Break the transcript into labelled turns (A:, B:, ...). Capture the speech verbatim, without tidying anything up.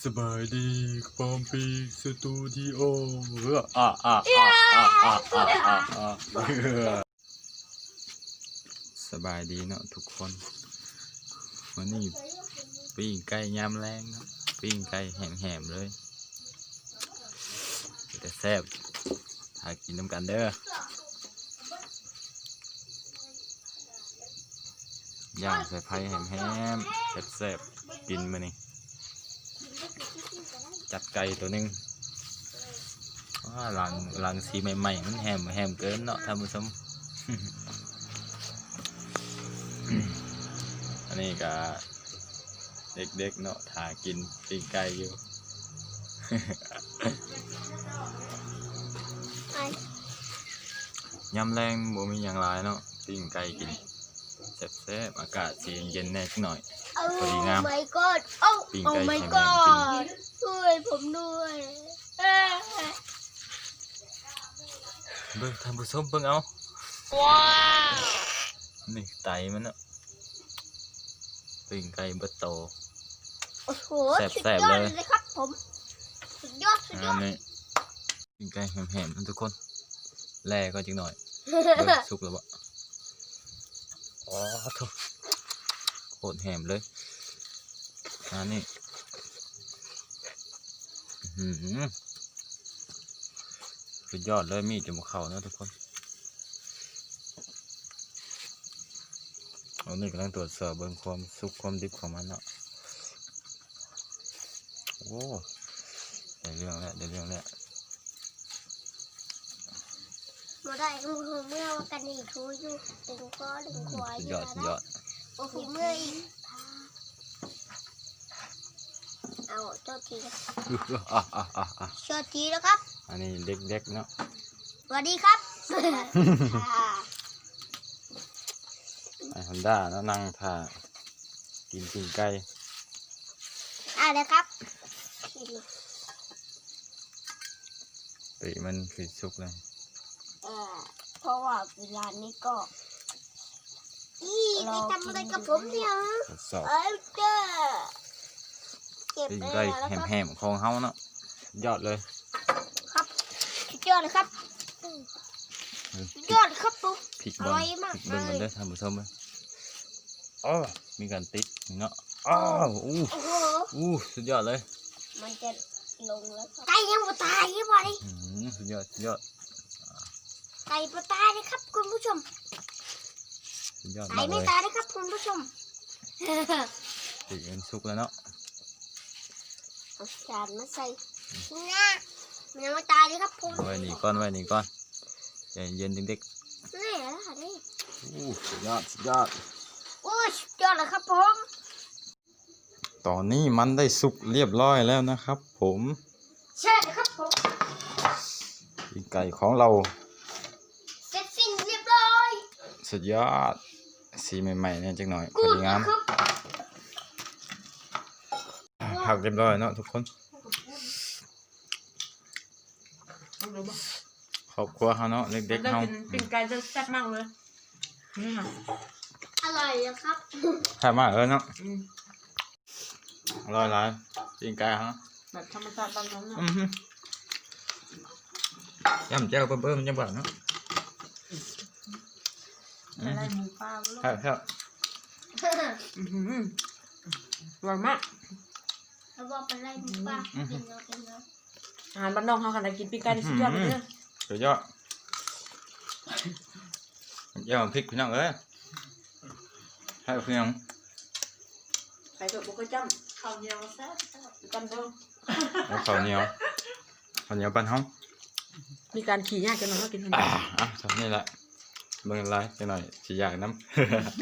A: สบายดีพร้อมปีสตูดิโอเอออ่ะอ่ะอ่ะอ่ะอ่ะอ่ะอ่ะอ่ะสบายดีเนาะทุกคนวันนี้ปิ้งไก่ยำแรงเนาะปิ้งไก่แหมๆเลยแต่แซ่บหากินน้ำกันเด้อย่างใส่ไผ่แหมๆแซ่บๆกินมานี่จัดไก่ตัวนึงว่าหลังหลังสีใหม่ๆมันแหมแหมเกินเนาะท่านผู้ชม อันนี้ก็เด็กๆเนาะถ่ากินปิ้งไก่อยู่ ยำแรงบ่มีอย่างไรเนาะปิ้งไก่กินแซ่บๆอากาศสีเย็นแน่หน่อยพอดีงาม
B: โอ้ my god โอ้
A: ปิ้ง
B: โอ้
A: ไก่
B: my
A: แข็ง
B: god ช่วยผมด้วยเอ้ย
A: เบิ่งท่านผู้ชมเบิ่งเอา
B: ว้าว
A: นี่ไตมันเนาะปิ้งไก่เบิดโต
B: โอ้โห
A: แซ่บ
B: สุด
A: แซ่บ
B: ยอด
A: เลย
B: เลยครับผมสุดยอดสุดย
A: อั
B: อน ด
A: นี้ปิ้งไก่แหมๆนะทุกคนแล่ก็จังหน่อยเบิ่งสุกแล้วบ่อ๋อโถ่โคตรแหมเลยอันนี้อื้อหือสุดยอดเลยมีดจมูกเข่านะทุกคนอันนี้กำลังตรวจสอบเบิ่งความสุกความดิบของมันเนาะโอ้ได้เรื่องแล้วได้เรื่องแล้ว
B: มาได้หูหูเมื่อว่ากันนี่ทูอยู่ดึงคอดึงควาย
A: สุดยอดสุดยอด
B: โอ้โหเมื่ออีกเอาเจ้าทีครับ
A: อ่ะอ่ะอ่ะอ่ะ
B: เจ้าทีแล้วครับ
A: อันนี้เด็กๆเนาะ
B: สวัสดีครับ
A: ไอฮอนด้าเนาะนั่งท่ากินปิ้งไก่
B: อ่าเลยครับ
A: ปีมันคือสุกเลย
B: เออเพราะว่าเวลานี้ก็อีไปทำอะไรกับผมเนี่ย
A: ทดสอบ
B: เอ้ยเจ้าเก็บ
A: ปิ้ง
B: ไป
A: ไก่
B: แล้วครับ
A: แหมๆของเฮาเนาะยอดเลย
B: ครับสุดยอดเลยครับสุดยอดครับปุ๊บ
A: พริก
B: อ
A: เบิ้
B: ร่
A: ง
B: อยมาก
A: พริกเบิ้ง
B: เล
A: มัน
B: ย
A: เด้อท่านผู้ชมเลยอ๋อมีการติ๊กเนาะอ้าวอู้
B: โอ้โห
A: อู้สุดยอดเลย
B: มันจะลงแล้วไก่ยังไม่ตายยังไง
A: อืมสุดยอดสุดยอด
B: ไก่ไม่ตายเลยครับคุณผู้ชม
A: สุดยอด
B: ไก่
A: มากเล
B: ไม่
A: ย
B: ตายเลยครับคุณผู้ชม
A: ปีมันสุกแล้วเนาะ
B: เอาจานมาใส่นะมันยังไม่ตายเลยครับคุณ
A: ไว้นี่ก้อนไว้นี่ก้อนใจเย็นเด็ก
B: นี่แหละนี่
A: ๆอู้สุดยอดสุดยอด
B: โอ้ยสุดยอดเลยครับผม
A: ตอนนี้มันได้สุกเรียบร้อยแล้วนะครับ ผม
B: ใช่เลยครับผม
A: ปิ้งไก่ของเรา
B: เสร็จสิ้นเรียบร้อย
A: สุดยอดสีใหม่ๆเนี่ยจังหน่อยพ
B: กู
A: อ
B: ด
A: ดีงาม
B: ครับ
A: ผักเรียบร้อยเนาะทุกคนครอบครัวเขาเนาะเด็กๆ
C: ได้
A: เขา
C: กินปิ้งไก่จะแซ่บมากเลยนี่ค่ะ
B: อร่อยเลยครับ
A: แซ่บมากเลยเนาะ
C: อืม
A: อร่อยหลายปิ้งไก่ฮะ
C: แบบธรรมชาติบ้านเราเนาะ
A: อือฮึย่ำแจ่วเบิ่มๆจังบ่เนาะ
C: อะไรหมูปลาลูก
A: ครับครับ
C: อื้อหืออร่อยมาก
B: แล้วบอกเป็นไรหมูป่ากินเนาะกินเนาะ
C: อาหารบ้านนอกเขาขนาดกินปิ้งไก่ได้สุดยอดเลยเนี่ย
A: สุดยอดแจ่วพริกพี่น้องเอ้ยให้พี่น้อง
C: ใส่ตัวบุกจ้ำข้าวเหนียวแซ่บจำเดิม
A: เอาข้าวเหนียวข้าวเหนียวปั้นเฮา
C: มีการขี่ยากกันหน่อยก็กินทัน
A: อ่า
C: ที
A: อ่ะทำนี่แหละเบิ่งไรจังหน่อยสิอยากน้ำ